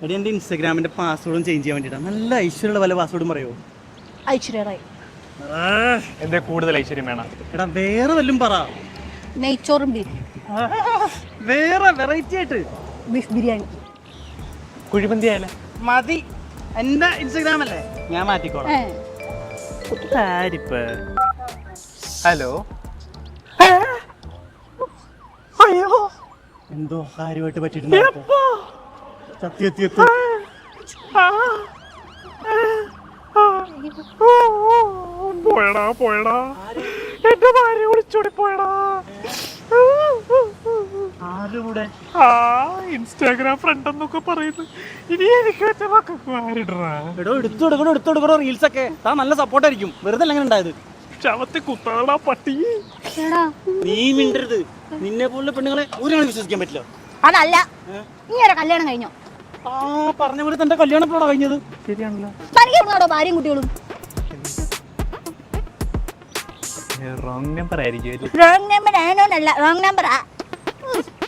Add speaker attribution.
Speaker 1: എടി എൻ്റെ ഇൻസ്റ്റാഗ്രാമിൻ്റെ പാസ്വേഡും ചേഞ്ച് ചെയ്യാൻ വേണ്ടിയിട്ടാണ്. നല്ല ഐശ്വര്യമുള്ള വല്ല പാസ്വേഡും പറയുമോ?
Speaker 2: ഐശ്വര്യ
Speaker 3: എന്താ കൂടുതൽ ഐശ്വര്യം വേണം?
Speaker 1: എടാ വേറെ വല്ലതും പറ.
Speaker 2: നെയ്ച്ചോറും ബീഫ്
Speaker 1: വേറെ വെറൈറ്റി ആയിട്ട്.
Speaker 2: ബീഫ് ബിരിയാണി.
Speaker 3: കുഴിമന്തി ആയാലേ?
Speaker 1: മതി. എൻ്റെ ഇൻസ്റ്റാഗ്രാം അല്ലേ, ഞാൻ മാറ്റിക്കോളാം.
Speaker 3: ഹലോ.
Speaker 1: അയ്യോ എന്തോ കാര്യമായിട്ട് പറ്റിയിട്ടുണ്ട്.
Speaker 3: പോയടാ എന്റെ ഭാര്യ വിളിച്ചോടി പോയടാ. ഇൻസ്റ്റാഗ്രാം ഫ്രണ്ട് എന്നൊക്കെ പറയുന്നു. ഇനി എനിക്ക് വെച്ച മക്കൾക്ക് ആരിടറാ?
Speaker 1: എടുത്തോടുക്കണോ റീൽസ് ഒക്കെ. താൻ നല്ല സപ്പോർട്ടായിരിക്കും. വെറുതെ എങ്ങനെ ഉണ്ടായത്?
Speaker 3: ചവത്തി കുത്താടാ പട്ടി.
Speaker 1: നീ മിണ്ടരുത്. നിന്നെ പോലുള്ള പെണ്ണുങ്ങളെ ഒരാളെ വിശ്വസിക്കാൻ പറ്റില്ല.
Speaker 2: അതല്ല, നീ ഒരു കല്യാണം കഴിഞ്ഞോ?
Speaker 1: പറഞ്ഞ പോലെ തന്റെ കല്യാണം എപ്പോഴാണ് കഴിഞ്ഞത്?
Speaker 3: ശരിയാണല്ലോ.
Speaker 2: തനിക്കാണോ ഭാര്യയും കുട്ടികളും?
Speaker 3: റോങ് നമ്പർ ആയിരിക്കും.
Speaker 2: റോങ് നമ്പർ ആണോന്നല്ല, റോങ് നമ്പറാ.